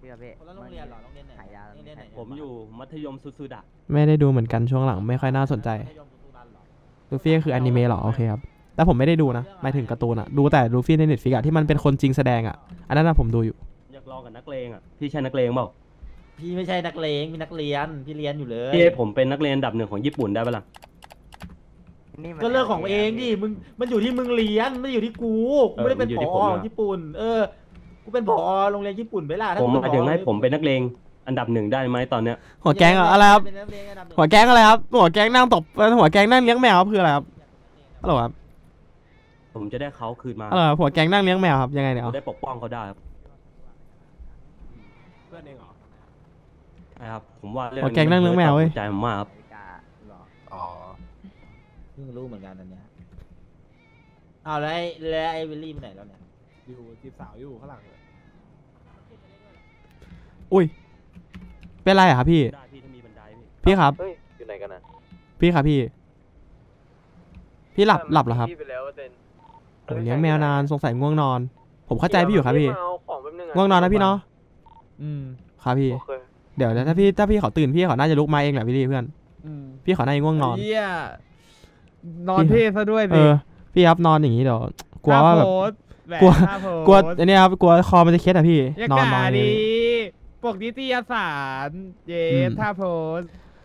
พี่ครับพี่คนละโรงเรียนเหรอโรงเรียนไหนขายยาโรงเรียนไหนผมอยู่มัธยมสุดๆอะไม่ได้ดูเหมือนกันช่วงหลังไม่ค่อยน่าสนใจมัธยมสุรันเหรอลูฟี่ก็คืออนิเมะเหรอโอเคครับแต่ผมไม่ได้ดูนะหมายถึงการ์ตูนอะดูแต่ลูฟี่ในเน็ตฟิกอะที่มันเป็นคนจริงแสดงอะอันนั้นนะผมดูอยู่อยากลองกับนักเลงอะพี่ใช่นักเลงเปล่าพี่ไม่ใช่นักเลงมีนักเรียนพี่เรียนอยู่เลยพี่ให้ผมเป็นนักเลงอันดับหนึ่งของญี่ปุ่นได้ปะล่ะนี่มันก็เรื่องของเองดิมึงมันอยู่ที่มึงเรียนไม่ได้อยู่ที่กูกูไม่ได้เป็นมันอยู่ผที่อผมอะญี่ปุ่นกูเป็นผอโรงเรียนญี่ปุ่นไปล่ะถ้ผมกูหมายถึงให้ผมเป็นนักเลงอันดับหนึ่งได้ไหมตอนเนี้ยหัวแก๊งอะอะไรครับเป็นนักเรียนอันดับหนึ่งหัวแก๊งอะไรครับหัวแก๊งนั่งตบหัวแก๊งนั่งเลี้ยงแมวครับคืออะไรครับฮัลโหลครับผมจะได้เขาคืนมาฮัลโหลครับหัวแก๊งนั่งเลี้ยงแมวครับยังไงเนี่ยผมเอาได้ปกป้องเขาได้ครับเพื่อนเองเหรอใช่ครับผมว่าเรื่องหัวแก๊งนั่งเลี้ยงแมวเว้ยใจผมมากครับนาฬิกาหรออ๋อเพิ่งรู้เหมือนกันอันเนี้ยอ้าวแล้วไอ้วิลลี่ไปไหนแล้วเนี่ยอยู่จีบสาวอยู่ข้างหลังเลยอุ้ยเป็นไรอะครับพี่ได้พี่ถ้ามีบันไดพี่พี่ครับเฮ้ย อยู่ไหนกันนะพี่ครับพี่หลับเหรอครับพี่ไปแล้วเต้นผมเลี้ยงแมวนานสงสัยง่วงนอน ผมเข้าใจพี่อยู่ครับพี่มาเอาของแป๊บนึงอะง่วงนอนนะพี่เนาะอืมครับพี่โอเคเดี๋ยวถ้าพี่เขาตื่นพี่เขาน่าจะลุกมาเองแหละพี่เพื่อนพี่เขาน่าจะง่วงนอนเหี้ยนอนเท่ซะด้วยเอสิอพี่ครับนอนอย่างนี้เดี๋ยวกลัวว่าแบบกกลัลัววกลัวอันนี้ครับกลัวคอมันจะเคล็ดอะพี่อย่านอนด่าอย่างดีนี้ปกนิตยสารเยอืมท่าโพส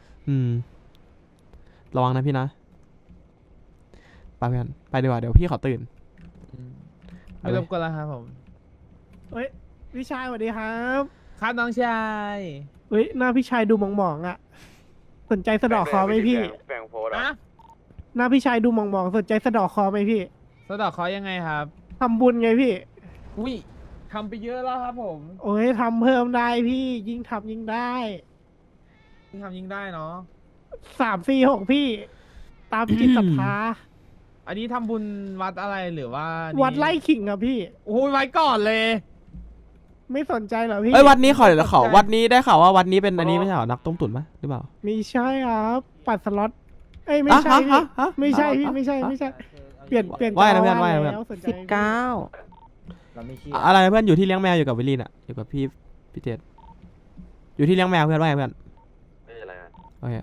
ระวังนะพี่นะไปเพื่อนไปดีกว่าเดี๋ยวพี่เขาตื่นไม่รบกวนแล้วครับผมเฮ้ยพี่ชายสวัสดีครับครับน้องชายเฮ้ยหน้าพี่ชายดูหมองๆอ่ะ สนใจสะเดอกคอไหมพี่แบ่งโพสต์อะหน้าพี่ชายดูหมองๆสนใจสะเดอกคอไหมพี่สะเดอกเขายังไงครับทำบุญไงพี่อุ้ยทำไปเยอะแล้วครับผมโอ้ยทำเพิ่มได้พี่ยิ่งทำยิ่งได้ยิ่งทำยิ่งได้เนาะ 3 4 6พี่ ตามจิตศรัทธาอันนี้ทำบุญวัดอะไรหรือว่านี่วัดไล่ขิงครับพี่โอ้ยไว้ก่อนเลยไม่สนใจเหรอพี่เอ้ยวัดนี้เขาไม่สนใจวัดนี้ได้ข่าวว่าวัดนี้เป็นอันนี้ไม่ใช่เหรอนักต้มตุ๋นปะหรือเปล่ามีใช่ครับปัดสล็อตเอ้ยไม่ใช่พี่ฮะไม่ใช่พี่ไม่ใช่เปลี่ยนว่าไงนะเจ้เพื่อนว่าไงนะเพื่อนแล้วสนใจเราไม่เชื่ออะไรนะเพื่อนอยู่ที่เลี้ยงแมวอยู่กับวิลลีนอะอยู่กับพี่เจษอยู่ที่เลี้ยงแมวเพื่อนว่าไงเพื่อนไม่เป็นไรนะโอเค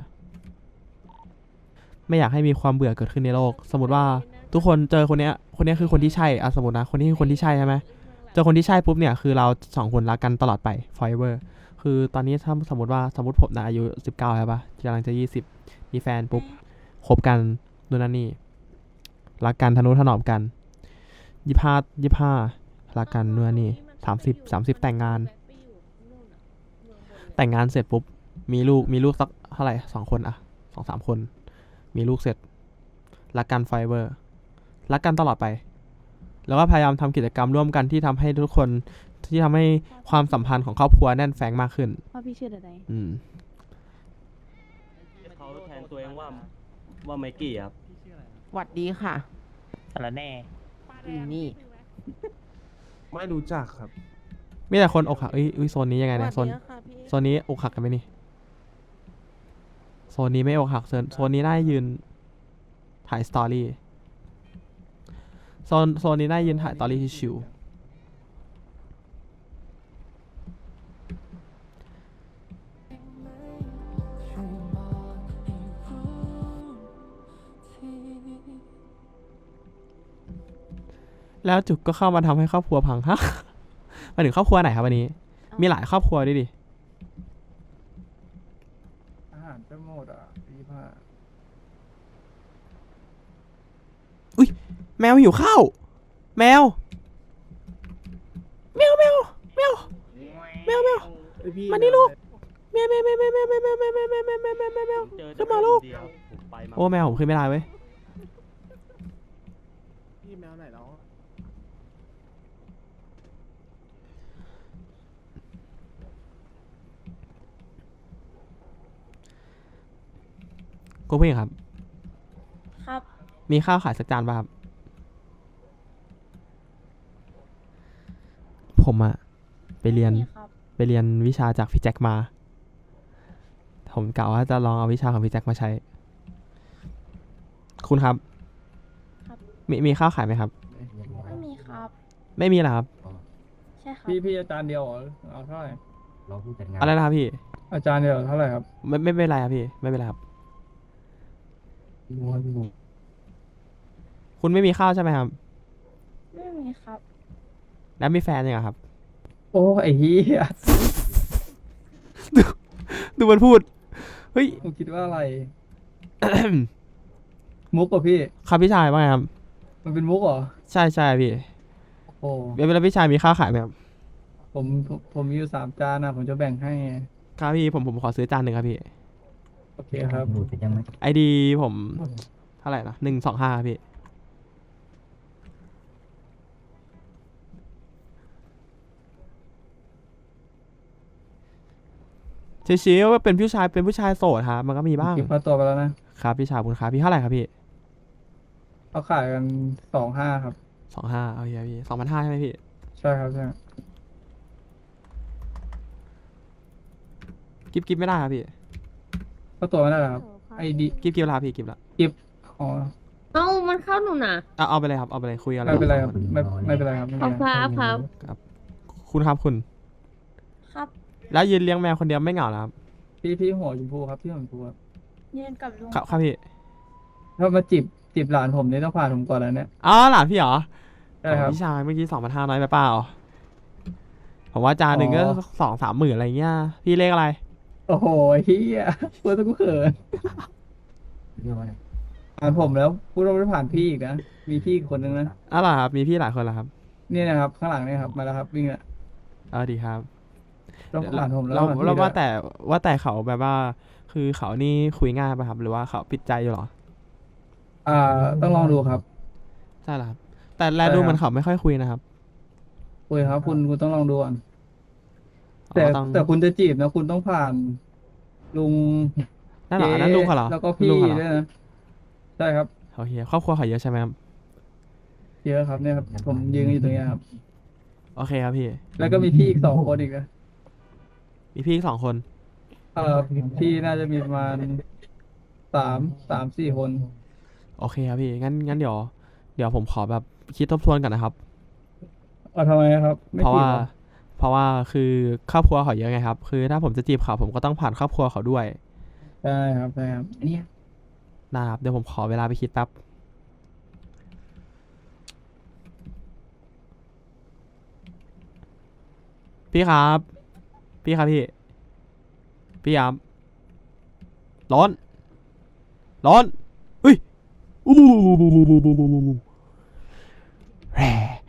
ไม่อยากให้มีความเบื่อเกิดขึ้นในโลก สมมติว่าทุกคนเจอคนเนี้ยคือคนที่ใช่อะสมมตินะคนนี้คือคนที่ใช่ใช่ไหมเจอคนที่ใช่ปุ๊บเนี่ยคือเรา2 คนรักกันตลอดไป forever คือตอนนี้ถ้าสมมติผมนะอายุ19ใช่ปะกำลังจะ20มีแฟนปุ๊บคบกันนู่นนั่นนี่รักกันทะนุถนอมกัน25รักกันนู่นนนนี่30แต่งงานเสร็จปุ๊บมีลูกสักเท่าไหร่2 คนอะ2-3 คนมีลูกเสร็จรักกันไฟเบอร์รักกันตลอดไปแล้วก็พยายามทำกิจกรรมร่วมกันที่ทำให้ทุกคนที่ทำให้ความสัมพันธ์ของครอบครัวแน่นแฟ้งมากขึ้นพ่อพี่ชื่ออะไรเขาแทนตัวเองว่าไมกี้ครับหวัดดีค่ะสารแน่นี่ไม่รู้จักครับมีแต่คนอกหักโซนนี้ยังไงเนี่ยโซนค่ะพี่โซนนี้อกหักกันไหมนี่โซนนี้ไม่อกหักโซนนี้น่ายืนถ่ายสตอรี่โซนนี้น่ายืนถ่ายสตอรี่ชิวแล้วจุกก็เข้ามาทำให้ครอบครัวพังฮะ มาถึงครอบครัวไหนครับวันนี้ มีหลายครอบครัวด้วยดิอาหารจะหมดอ่ะ25 แมวหิวข้าวแมวมานี่ลูกแมวขึ้นมาลูกโอ้แมวผมขึ้นไม่ได้เว้ยพี่แมวไหนแล้วคุณผู้หญิงครับครับมีข้าวขายสักจานป่ะครับ ผมอะไปเรียนนี่ครับวิชาจากพี่แจ็คมา ผมกะว่าจะลองเอาวิชาของพี่แจ็คมาใช้ คุณครับครับมีข้าวขายไหมครับไม่มีครับไม่มีเหรอครับใช่ครับพี่อาจารย์เดียวเหรอเอาเท่าไหร่อะไรนะครับพี่อาจารย์เดี๋ยวเท่าไหร่ครับไม่เป็นไรครับพี่ ไม่เป็นไรครับ คุณไม่มีข้าวใช่ไหมครับไม่มีครับแล้วมีแฟนยังอะครับโอ้ไอ้เหี้ยดูมันพูด เฮ้ยผมคิดว่าอะไร มุกเหรอพี่ครับพี่ชายว่าไงครับมันเป็นมุกเหรอใช่ใช่พี่โอ้เวลาพี่ชายมีข้าวขายไหมครับผมมีอยู่3 จานนะผมจะแบ่งให้ไงครับพี่ผมขอซื้อจานหนึ่งครับพี่โอเคครับไอดีผมเท่าไหร่นะ125ครับพี่ชิวๆว่าเป็นผู้ชายโสดครับมันก็มีบ้างคิดค่าตัวไปแล้วนะครับพี่ชายคุณครับพี่เท่าไหร่ครับพี่เขาขายกัน25ครับ 25เอาเฮียพี่2,500ใช่ไหมพี่ใช่ครับใช่กิฟไม่ได้ครับพี่ค่าตัวไม่ได้เหรอครับไอดีกิฟลาพี่กิฟละอ๋อเอ้า มันเข้าหนูนะเอาไปเลยครับเอาไปเลยคุยอะไรไม่เป็นไรครับไม่เป็นไรครับไม่เอาเป็นไรครับคุณครับคุณครับแล้วยืนเลี้ยงแมวคนเดียวไม่เหงาเหรอครับพี่หัวชมพูครับพี่หัวชมพูครับยืนกับลุงครับพี่ถ้ามาจีบหลานผมนี่ต้องผ่านผมก่อนแล้วเนี่ยอ๋อหลานพี่เหรอใช่ครับพี่ชายเมื่อกี้2,500น้อยไปเปล่าผมว่าจานหนึ่งก็อ๋อ 2-3 หมื่นอะไรเงี้ยพี่เลขอะไรโอ้โหเฮียพูดตะกูเขินผ่านผมแล้วพูดว่าไม่ผ่านพี่อีกนะมีพี่อีกคนนึงนะอะไรครับมีพี่หลายคนแล้วครับนี่นะครับ ข้างหลังเนี่ยครับมาแล้วครับวิ่งละดีครับต้องผ่านผมแล้วเราผ่นพี่เราว่าด้วยแต่เขาแบบว่า คือเขานี่คุยง่ายป่ะครับ หรือว่าเขาปิดใจอยู่เหรอต้องลองดูครับใช่เหรอครับ แต่แลใช่ดูครับเหมันเขาไม่ค่อยคุยนะครับคุยครับคุณต้องลองดูก่อนอ๋อแต่ต้องแต่คุณจะจีบนะคุณต้องผ่านลุงนั่นเหรออันนั่นลุงเขาเหรอแล้วก็พี่ลุงเขาเหรอด้วยนะใช่ครับโอเคครอบครัวเขาเยอะใช่ไหมครับเยอะครับเนี่ยครับผมยืนอยู่ตรงเนี้ยครับโอเคครับพี่แล้วก็มีพี่อีก2 คนอีกนะมีพี่อีก2 คนพี่น่าจะมีประมาณ3-4 คนโอเคครับพี่งั้นเดี๋ยวผมขอแบบคิดทบทวนก่อนนะครับทำไมครับไม่เพราะจีบว่าเหรอเพราะว่าคือครอบครัวเขาเยอะไงครับ คือถ้าผมจะจีบเขาผมก็ต้องผ่านครอบครัวเขาด้วยใช่ครับใช่ครับอันนี้นะครับเดี๋ยวผมขอเวลาไปคิดแป๊บพี่ครับพี่ครับร้อนเฮ้ยอู้แหร่